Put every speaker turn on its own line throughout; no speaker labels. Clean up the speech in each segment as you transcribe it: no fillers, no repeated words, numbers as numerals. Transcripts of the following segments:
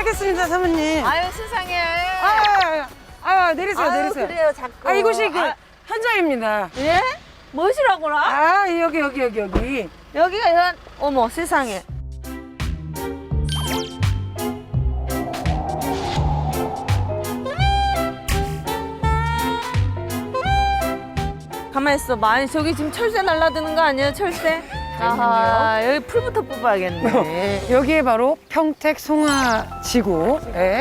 도착했습니다, 사모님.
아유 세상에.
내리세요, 내리세요.
그래요 자꾸.
이곳이 그 현장입니다.
예? 무엇이라고라?
여기.
여기가 현. 어머 세상에. 가만 있어. 많이 저기 지금 철새 날라드는 거 아니에요? 철새? 아하 여기 풀부터 뽑아야겠네.
여기에 바로 평택 송화지구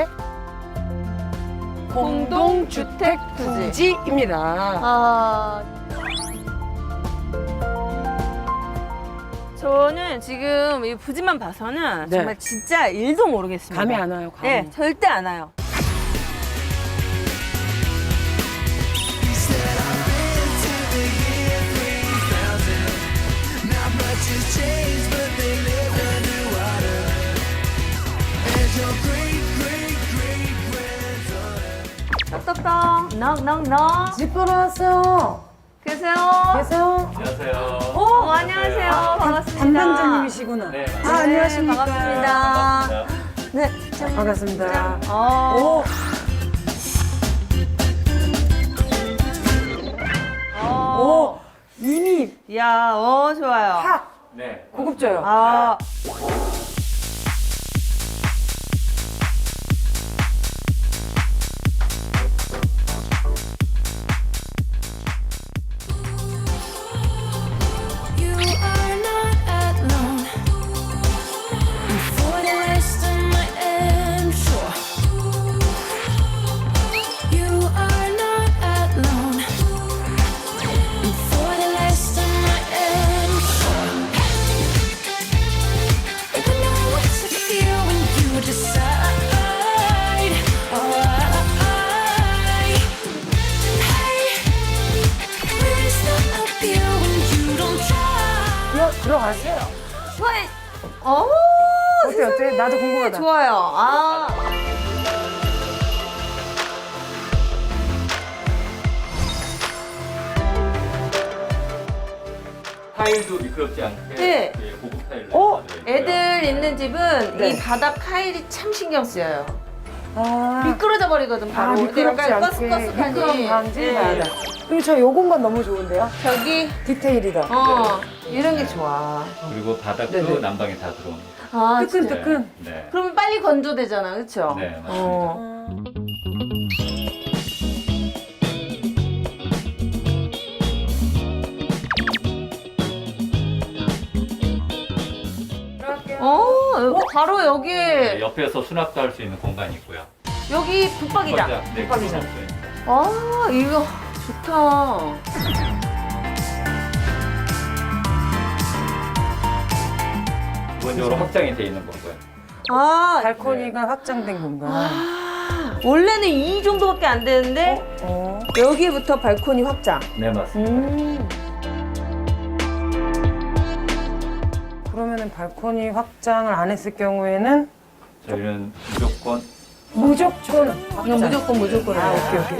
공동주택 부지.
부지입니다.
아. 저는 지금 이 부지만 봐서는
네.
정말 진짜 일도 모르겠습니다.
감이 안 와요, 감이.
네, 절대 안 와요. 떡떡떡, 넉넉넉.
집 보러 왔어요.
계세요?
계세요?
안녕하세요.
안녕하세요. 반갑습니다.
담당자님이시구나.
네,
안녕하십니까.
반갑습니다. 네,
반갑습니다.
어.
오, 이미
야, 좋아요.
팍
네.
고급져요.
아.
You are not alone. For the rest of my am sure. You are not alone. For the rest of my am sure. I know what to feel when you decide. Where is the appeal when you don't try?
들어가세요.
좋아해. 어머,
어때? 나도 궁금하다.
좋아요. 아.
타일도 미끄럽지 않게
네.
예, 고급 타일로 만들어 있고요.
애들 있는 집은
네.
이 바닥 타일이 참 신경 쓰여요.
아,
미끄러져 버리거든 바로. 근데
미끄럽지
약간
않게.
꺼스꺼스하니.
미끄럼 방지.
네.
그리고 저 요 공간 너무 좋은데요?
저기
디테일이다.
이런 게 좋아.
그리고 바닥도
네네.
난방이 다 들어옵니다.
아,
뜨끈뜨끈.
네.
그러면 빨리 건조되잖아, 그렇죠?
네, 맞습니다.
바로 여기
네, 옆에서 수납도 할 수 있는 공간이 있고요.
여기 붙박이장.
네,
붙박이장.
아, 이거 좋다.
기본적으로 확장이 돼 있는 거고요.
아,
발코니가 확장된 공간.
원래는 이 정도밖에 안 되는데
어.
여기부터 발코니 확장.
네, 맞습니다.
그러면은 발코니 확장을 안 했을 경우에는
저희는 무조건
무조건
이거
확장.
무조건.
오케이.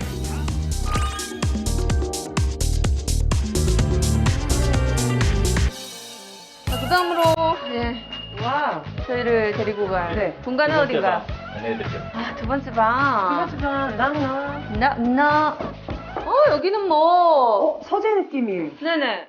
그 다음으로
와.
저희를 데리고 갈
네.
공간은 어딘가?
안내해드릴게요.
아, 두 번째 방.
이거지만 나.
나. 여기는 뭐.
서재 느낌이.
네네.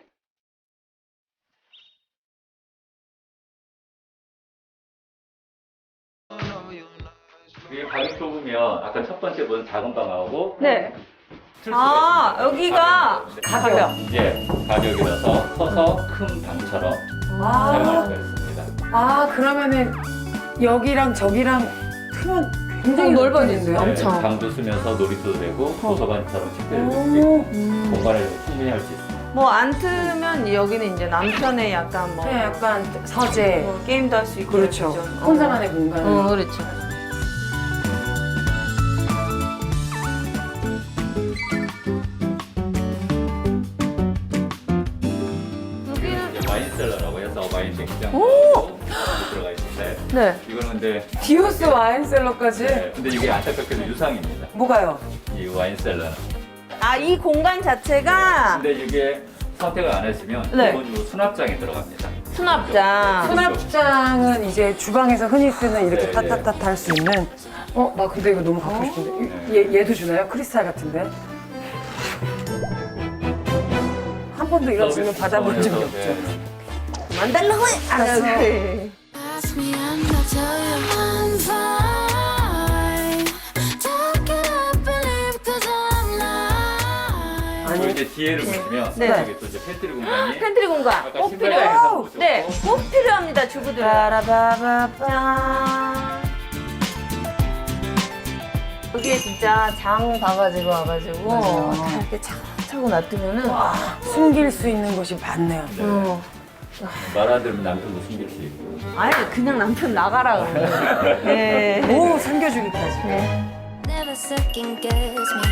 이게 방이 좁으면 아까 첫 번째 본 작은 방하고
네.
틀 수가
아,
있습니다.
여기가
가격. 예, 가격이라서 커서 큰 방처럼 사용할 수가 있습니다.
그러면은 여기랑 저기랑 크면 굉장히
넓어지네요.
네,
엄청.
방도 쓰면서 놀이터도 되고 도서관처럼 책들도
오.
쓰고 공간을 충분히 할 수 있습니다.
뭐 안 틀면 여기는 이제 남편의 약간 뭐,
네, 약간 서재.
뭐 게임도 할 수 있고.
그렇죠.
그죠?
혼자만의 공간.
그렇죠. 여기는
이제 와인셀러라고 해서 와인 냉장고 들어가 있는데
네.
이거는 근데
디오스 와인셀러까지.
근데 이게 안타깝게도 유상입니다.
뭐가요?
이 와인셀러는.
아, 이 공간 자체가
근데 이게 선택을 안 했으면
네.
기본적으로 수납장에 들어갑니다.
수납장.
수납장 주방은 이제 주방에서 흔히 쓰는 이렇게
네,
타타타타 할 수 있는. 나 근데 이거 너무 갖고 싶은데. 얘도 주나요? 크리스탈 같은데? 한 번도 이런 질문 받아본 적이 없죠.
네.
만달라고 해.
알았어.
그래.
Ask me and I'll tell you I'm fine. Talk it up and leave 'cause I'm lying.
그리고 이제 뒤에를 보시면
네.
여기 또 이제 팬트리 공간이
팬트리 공간
아까
꼭
신발
필요해요.
장에서 보셨고
네, 꼭 필요합니다, 주부들.
빠라바바빠.
여기에 진짜 장 봐가지고 와가지고
맞아요.
다 이렇게 차고 놔두면은
숨길 수 있는 곳이 많네요.
어.
말 안 들으면 남편도 숨길 수 있고.
아니 그냥 남편 나가라 그러면. 네.
오, 숨겨주기까지.
Never second guess me.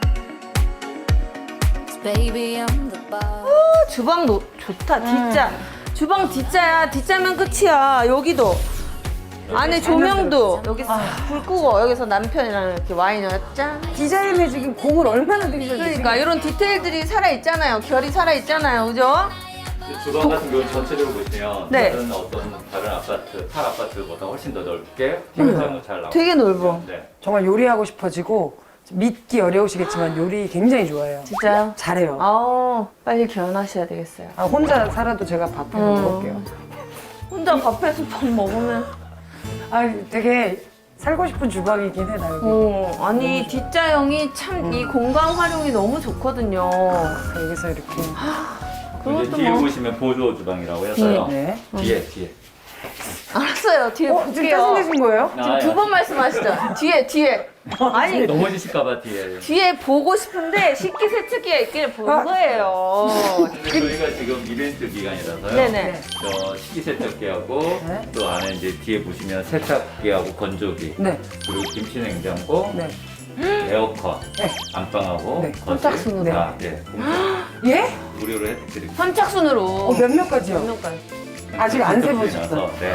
'Cause baby, I'm the boss.
주방 좋다, 뒷자. 주방 뒷자야. 뒷자면 끝이야. 여기도. 안에 조명도 여기 불 끄고 여기서 남편이랑 이렇게 와인을 짠.
디자인에 지금 공을 얼마나 들이셨는지.
그러니까 이런 디테일들이 살아 있잖아요. 결이 살아 있잖아요, 그죠?
주방 같은 경우는 전체적으로 보시면
네.
다른 아파트, 탈 아파트보다 훨씬 더 넓게 현장도 잘 나오고.
되게 넓어.
네.
정말 요리하고 싶어지고 믿기 어려우시겠지만 요리 굉장히 좋아해요.
진짜요?
잘해요.
아우 빨리 결혼하셔야 되겠어요.
혼자 살아도 제가 밥 해 먹을게요.
혼자 밥해서 밥 먹으면.
되게 살고 싶은 주방이긴 해, 나 여기.
아니 뒷자형이 참 이 공간 활용이 너무 좋거든요.
여기서 이렇게.
이제
그것도
뒤에
뭐.
보시면 보조 주방이라고 해서요.
네.
뒤에.
알았어요. 뒤에
지금
볼게요.
짜증내신 거예요?
지금 두 번 말씀하시죠. 뒤에. 아니
넘어지실까봐 뒤에.
뒤에 보고 싶은데 식기세척기가 있길 본 거예요.
근데 저희가 지금 이벤트 기간이라서요.
네네.
저 식기세척기하고
네.
또 안에 이제 뒤에 보시면 세탁기하고 건조기
네.
그리고 김치냉장고,
네.
에어컨,
네.
안방하고
네.
거실
선착순으로.
다 공짜
예?
무료로 혜택드립니다.
선착순으로.
몇 명까지요?
몇 명까지?
아직 안 세보셨어요.
네.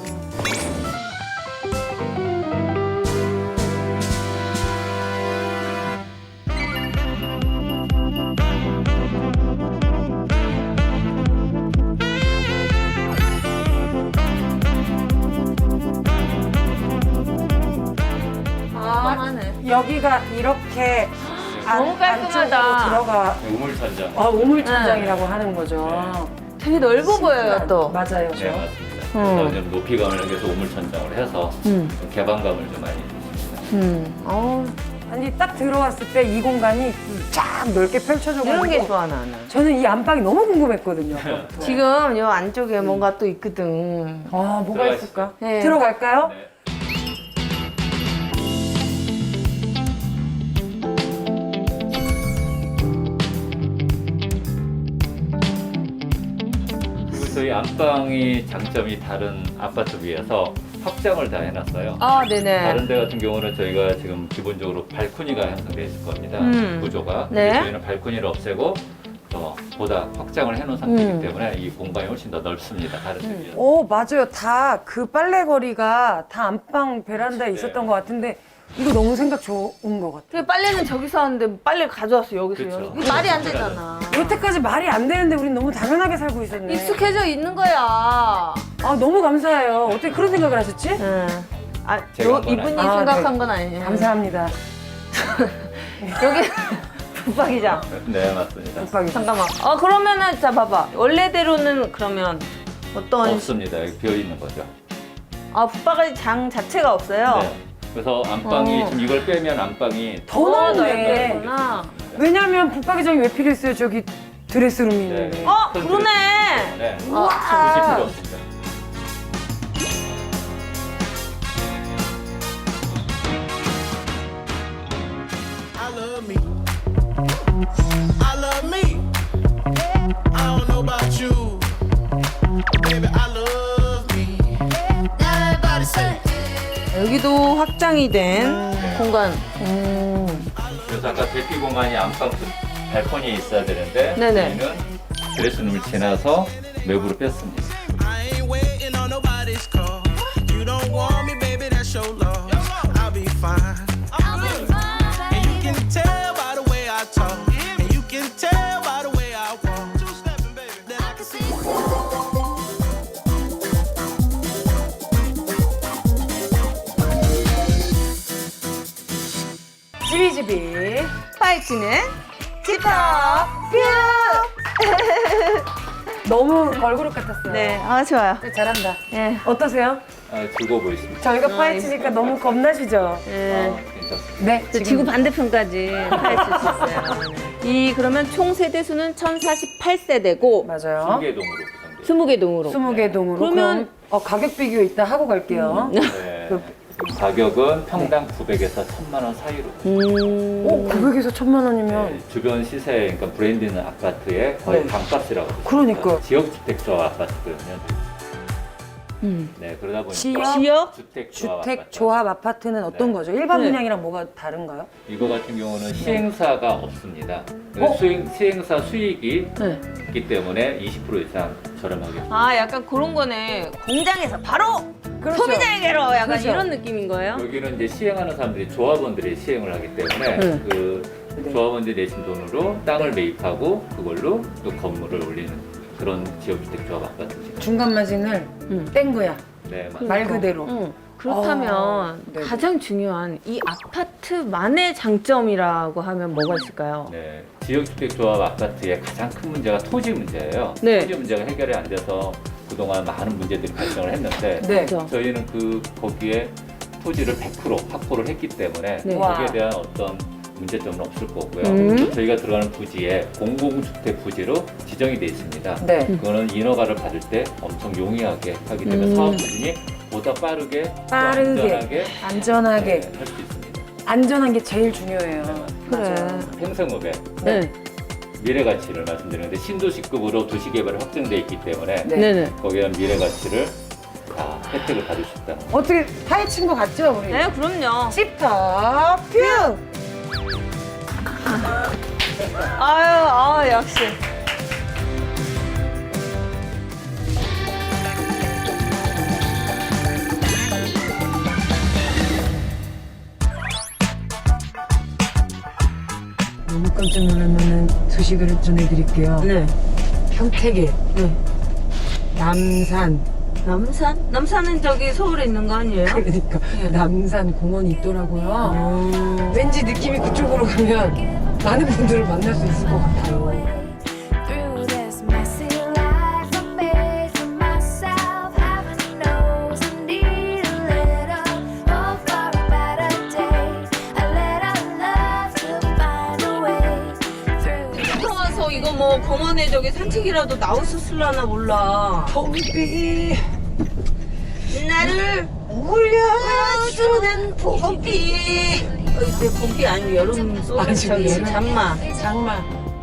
하네.
여기가 이렇게
너무 깔끔하다.
안쪽으로 들어가.
우물천장.
우물천장이라고 하는 거죠.
되게 넓어 보여요 또.
맞아요, 저.
네, 맞습니다. 그래서 좀 높이감을 위해서 우물천장을 해서 좀 개방감을 좀 많이 주십니다.
아니, 딱 들어왔을 때 이 공간이 쫙 넓게 펼쳐져가지고.
이런 게 좋아 나는.
저는 이 안방이 너무 궁금했거든요.
지금 요 안쪽에 뭔가 또 있거든.
뭐가
들어가시죠.
있을까?
네.
들어갈까요?
네. 그리고 저희 안방이 장점이 다른 아파트 비해서 확장을 다 해놨어요.
네네.
다른 데 같은 경우는 저희가 지금 기본적으로 발코니가 형성되어 있을 겁니다. 구조가.
네.
근데 저희는 발코니를 없애고 더 보다 확장을 해놓은 상태이기 때문에 이 공간이 훨씬 더 넓습니다. 다른 데 비해서.
맞아요. 다 그 빨래거리가 다 안방 베란다에 있었던 것 같은데 이거 너무 생각 좋은 것 같아요.
그 빨래는 저기서 하는데 빨래 가져왔어 여기서.
그쵸.
이게 말이 안 되잖아.
여태까지 말이 안 되는데 우린 너무 당연하게 살고 있었네.
익숙해져 있는 거야.
너무 감사해요. 어떻게 그런 생각을 하셨지?
응.
제가 한 건
이분이
아니에요.
생각한
네.
건 아니에요.
감사합니다.
여기 붙박이장.
네, 맞습니다.
붙박이.
잠깐만. 그러면은 자 봐봐. 원래대로는 그러면 어떤
없습니다. 여기 비어 있는 거죠.
붙박이장 자체가 없어요.
네. 그래서 안방이 지금 이걸 빼면 안방이
더 넓네.
넓겠구나.
왜냐면 붙박이장이 왜 필요했어요? 저기 드레스룸이 있는데.
큰
그러네.
네.
우와.
굳이 필요 없습니다.
I love me. I love me. I don't know about you. Baby, I love me. Everybody say.
여기도 확장이 된 공간.
그래서 아까 대피 공간이 안방 발코니에 있어야 되는데
네네.
저희는 드레스룸을 지나서 외부로 뺐습니다.
I ain't waiting on nobody's call. You don't want me, baby, that's your loss. I'll be fine. And you can tell by the way I talk. And you can tell by the way I walk. Two-stepping, baby, that I can see.
22.
파헤치는 집터 뷰.
너무 걸그룹 같았어요.
네, 아 좋아요.
네, 잘한다.
네.
어떠세요?
즐거워 보이십니다.
저희가 파헤치니까 너무 겁나시죠?
괜찮습니다.
네.
저 지구 반대편까지 파헤칠 수 있어요. 이 그러면 총 세대 수는 1048세대고
맞아요.
20개 동으로 구성돼요.
20개 동으로.
20개 동으로.
그러면-
그럼 가격 비교 이따 하고 갈게요.
네. 가격은 평당 900에서 1000만 원 사이로.
오, 900에서 1000만 원이면.
네, 주변 시세, 그러니까 브랜드 있는 아파트의 거의
네.
반값이라고. 보시면
그러니까요.
됩니다. 지역주택조합 아파트거든요. 네, 그러다 보니까
지역?
주택조합 아파트는 어떤
네.
거죠? 일반
네.
분양이랑 뭐가 다른가요?
이거 같은 경우는 시행사가 없습니다. 시행사 수익이
네.
있기 때문에 20% 이상 저렴하게.
아 약간 그런 거네. 공장에서 바로
그렇죠.
소비자에게로 약간
그렇죠.
이런 느낌인 거예요?
여기는 이제 시행하는 사람들이 조합원들이 시행을 하기 때문에
네.
그 조합원들이 내신 돈으로 땅을 매입하고 그걸로 또 건물을 올리는 그런 지역주택조합 아파트입니다.
중간 마진을 뗀 거야.
네, 맞습니다.
말 그대로.
그렇다면
네.
가장 중요한 이 아파트만의 장점이라고 하면 뭐가 있을까요?
네, 지역주택조합 아파트의 가장 큰 문제가 토지 문제예요.
네.
토지 문제가 해결이 안 돼서 그동안 많은 문제들이 발생을 했는데
네.
그렇죠.
저희는 거기에 토지를 100% 확보를 했기 때문에
네.
거기에
와.
대한 어떤 문제점은 없을 거고요. 또 저희가 들어가는 부지에 공공주택 부지로 지정이 돼 있습니다.
네.
그거는 인허가를 받을 때 엄청 용이하게 하기 때문에 사업 추진이 보다 빠르게, 또
빠르게, 안전하게.
할 수 있습니다.
안전한 게 제일 중요해요.
그래.
행성읍에
네.
미래 가치를 말씀드리는데 신도시급으로 도시 개발이 확정돼 있기 때문에
네.
네네.
거기에 대한 미래 가치를 다 혜택을 받을 수 있다.
어떻게 파헤친 거 같죠, 우리?
네, 그럼요.
집터 뷰!
아유, 역시.
너무 깜짝 놀라는 소식을 전해드릴게요.
네.
평택에
네.
남산,
남산? 남산은 저기 서울에 있는 거 아니에요?
그러니까 남산 공원이 있더라고요. 왠지 느낌이 그쪽으로 가면 많은 분들을 만날 수 있을 것 같아요.
Through this messy life, I made for myself. Heaven knows I need a little hope for a better day. A little love to find a way through.
들어와서 이거 뭐 공원에 저기 산책이라도 나올 수 있을라나 몰라.
봄비
나를 울려주는 봄비. 이때 봄비 아니고 여름 소리
아니,
저기
여름.
잠마.
장마.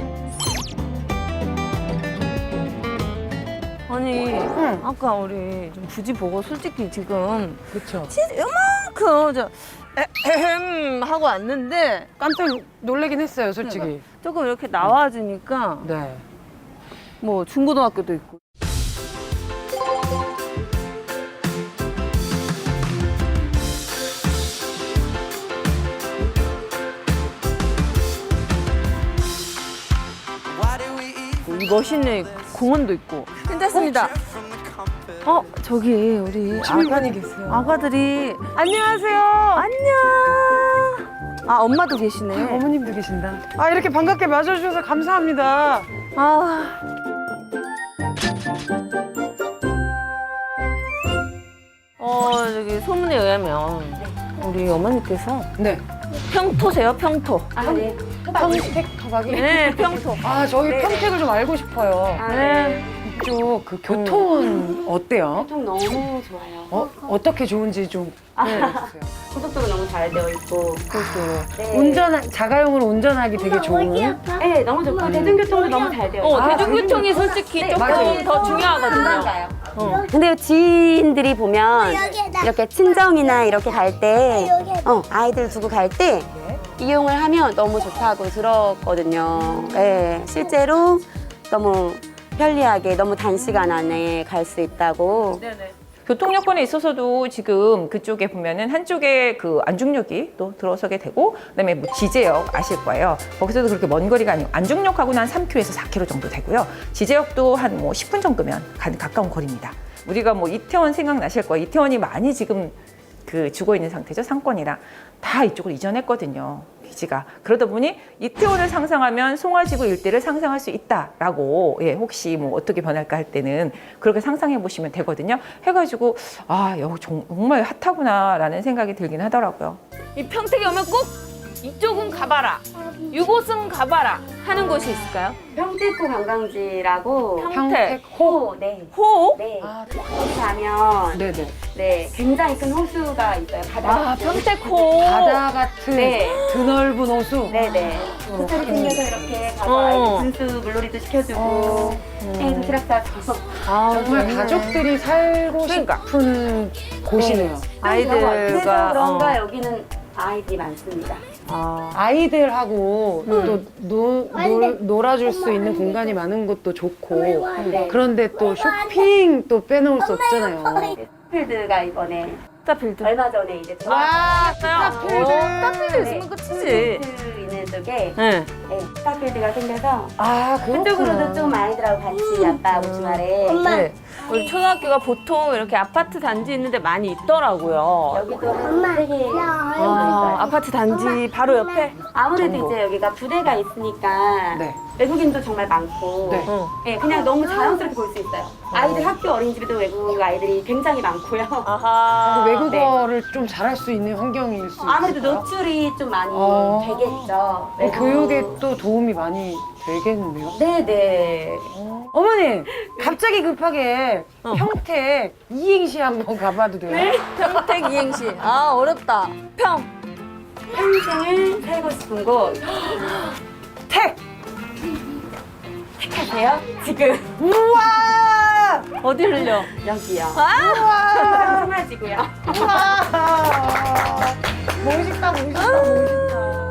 아니 아까 우리 좀 부지 보고 솔직히 지금
그렇죠.
진짜 이만큼 저 에헴 하고 왔는데
깜짝 놀라긴 했어요, 솔직히.
조금 이렇게 나와주니까
네.
뭐 중고등학교도 있고.
Why do we eat
이 멋있는 공원도 있고 괜찮습니다. 저기 우리
시민분이 계세요.
아가들이 안녕하세요. 안녕. 아 엄마도 계시네.
어머님도 계신다. 아, 이렇게 반갑게 맞아주셔서 감사합니다.
아. 저기 소문에 의하면 우리 어머니께서
네.
평토세요, 평토.
평택 토박이?
네, 평토.
아, 저희 평택을 좀 알고 싶어요.
네.
이쪽 그 교통은 어때요?
교통 너무 좋아요.
어떻게 좋은지 좀 알려주세요.
고속도로 너무 잘 되어 있고.
자가용으로 운전하기 되게 좋은.
네, 너무 좋고. 대중교통도 너무 잘 되어 있고.
대중교통이 솔직히 조금
맞아요.
더 중요하거든요.
근데 지인들이 보면 이렇게 친정이나 이렇게 갈 때, 아이들 두고 갈 때 이용을 하면 너무 좋다고 들었거든요. 네, 실제로 너무 편리하게 너무 단시간 안에 갈 수 있다고.
교통 여건에 있어서도 지금 그쪽에 보면은 한쪽에 그 안중역이 또 들어서게 되고, 그다음에 뭐 지제역 아실 거예요. 거기서도 그렇게 먼 거리가 아니고 안중역하고는 한 3km에서 4km 정도 되고요. 지제역도 한 뭐 10분 정도면 가까운 거리입니다. 우리가 뭐 이태원 생각나실 거예요. 이태원이 많이 지금 그 죽어 있는 상태죠. 상권이랑 다 이쪽으로 이전했거든요. 기지가. 그러다 보니 이태원을 상상하면 송화지구 일대를 상상할 수 있다라고 예, 혹시 뭐 어떻게 변할까 할 때는 그렇게 상상해 보시면 되거든요. 해가지고 아 여기 정말 핫하구나라는 생각이 들긴 하더라고요.
이 평택에 오면 꼭 이쪽은 가봐라, 이곳은 가봐라 하는 곳이 있을까요?
평택호 관광지라고.
평택호?
네.
호?
네.
아,
거기 가면
네네.
네, 굉장히 큰 호수가 있어요. 바다.
아, 평택호.
바다 같은
네.
드넓은 호수.
네네. 호텔이 생겨서 이렇게 가서
어.
아이들 분수 물놀이도 시켜주고, 도시락 싸고.
정말 가족들이 살고
그러니까.
싶은 곳이네요.
그래서 그런가
어.
여기는 아이들이 많습니다.
아이들하고 또 놀아줄 수 있는 공간이 많은 것도 좋고
네.
그런데 또 쇼핑 또 빼놓을 수 없잖아요.
스타필드가 이번에
스타필드.
얼마 전에 이제
와, 스타필드 있으면 끝이지.
스타필드 있는 쪽에
네.
네, 스타필드가 생겨서
아
그쪽으로도 좀 아이들하고 같이 아빠하고 주말에
네. 우리 초등학교가 보통 이렇게 아파트 단지 있는데 많이 있더라고요.
여기도 되게
아파트 단지 바로 옆에.
아무래도 이제 여기가 부대가 있으니까
네.
외국인도 정말 많고
네.
네, 그냥 너무 자연스럽게 볼 수 있어요. 아이들 학교 어린이집에도 외국 아이들이 굉장히 많고요.
아하.
외국어를 좀 잘할 수 있는 환경일 수
아무래도
있을까요?
노출이 좀 많이 되겠죠.
교육에 또 도움이 많이 되겠는데요?
네네.
어머니 갑자기 급하게 평택 이행시 한번 가봐도 돼요?
평택 이행시. 아, 어렵다.
평생을 살고 싶은 곳
택!
택하세요? 지금
우와!
어디 흘려?
여기요.
아!
송화지고요.
우와! 멋있다 멋있다.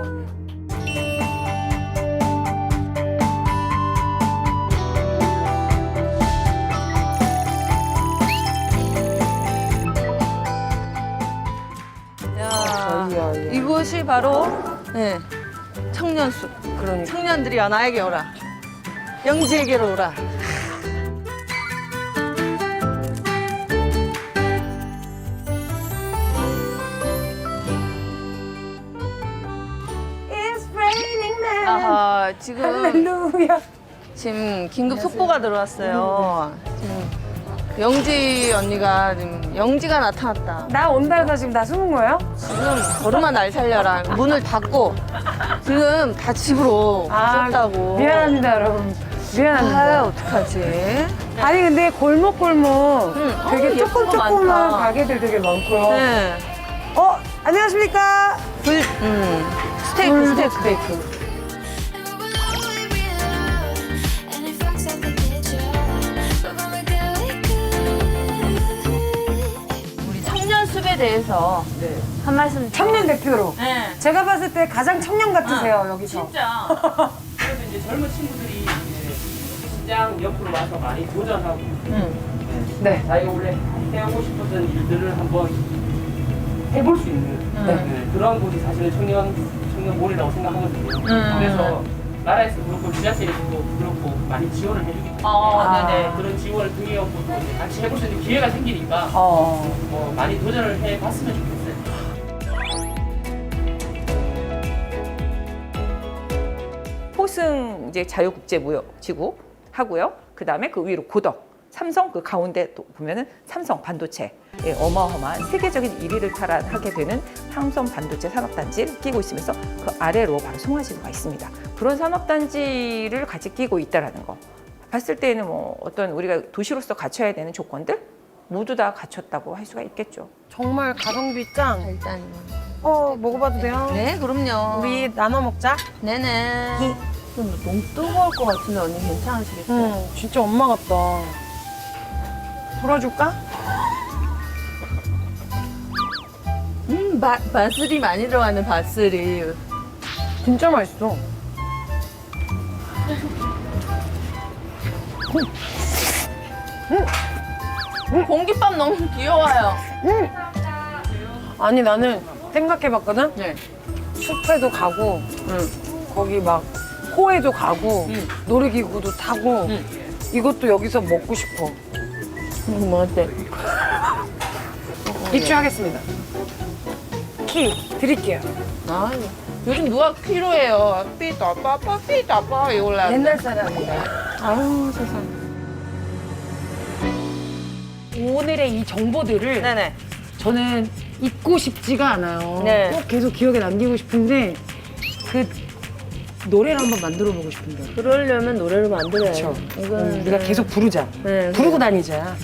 야, 이곳이 바로 네, 청년숲.
그러니까.
청년들이여 나에게 오라. 영지에게로 오라. 아하, 지금 긴급 속보가 들어왔어요. 지금 영지 언니가 지금 영지가 나타났다.
나 온다다 지금 나 숨은 거예요?
지금 걸음아 날 살려라. 문을 닫고 지금 다 집으로 가셨다고.
미안합니다 여러분. 미안합니다.
아, 어떡하지?
아니 근데 골목골목 되게
예쁜 거
조그조그만
많다.
가게들 되게 많고요.
네.
안녕하십니까?
스테이크, 스테이크.
스테이크.
And if I set the picture, we're gonna do it good.
우리 청년숲에 대해서 한 말씀.
청년 대표로.
네.
제가 봤을 때 가장 청년 같으세요 여기서.
진짜.
그래서 이제 젊은 친구들이 이제 시장 옆으로 와서 많이 도전하고
네.
자기가 원래 해오고 싶었던 일들을 한번 해볼 수 있는 그런 곳이 사실은 청년몰이라고 생각하거든요. 그래서 나라에서 그렇고 지자체에서도 그렇고 많이 지원을 해주기 때문에
네네.
그런 지원을 등에업고 또 이제 같이 해볼 수 있는 기회가 생기니까 많이 도전을 해봤으면 좋겠어요.
호승 이제 자유국제무역지구 하고요. 그 다음에 그 위로 고덕, 삼성 그 가운데 또 보면은 삼성 반도체 예, 어마어마한 세계적인 1위를 탈환하게 되는 삼성 반도체 산업단지를 끼고 있으면서 그 아래로 바로 송화지구가 있습니다. 그런 산업단지를 같이 끼고 있다라는 거 봤을 때는 뭐 어떤 우리가 도시로서 갖춰야 되는 조건들 모두 다 갖췄다고 할 수가 있겠죠.
정말 가성비 짱.
일단.
먹어봐도 돼요?
네, 그럼요.
우리 나눠 먹자.
네네. 너무 뜨거울 것 같은데 언니 괜찮으시겠어요?
진짜 엄마 같다. 돌아줄까?
바슬이 많이 들어가는 바슬이.
진짜 맛있어.
공깃밥 너무 귀여워요.
아니 나는 생각해봤거든?
네.
숲에도 가고 거기 막 호에도 가고 놀이기구도 타고 이것도 여기서 먹고 싶어.
뭐 어때?
입주하겠습니다. 키 드릴게요.
아, 요즘 누가 필요해요? 삐따빠빠 삐따빠 이걸로
옛날 사람이다.
아우 세상.
오늘의 이 정보들을
네네.
저는 잊고 싶지가 않아요.
네.
꼭 계속 기억에 남기고 싶은데 그 노래를 한번 만들어 보고 싶은데.
그러려면 노래를 만들어야죠.
그렇죠.
이건
우리가 계속 부르자.
네,
부르고 다니자.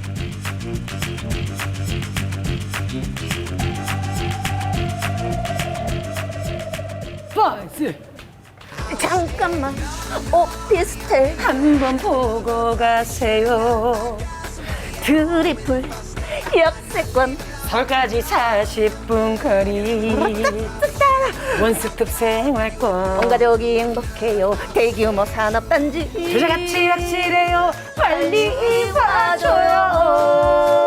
파이트!
잠깐만 오피스텔
한번 보고 가세요.
트리플 역세권
서울까지 40분 거리. 원스톱 생활권.
온 가족이 행복해요. 대규모 산업단지
주제같이 확실해요. 빨리
봐줘요.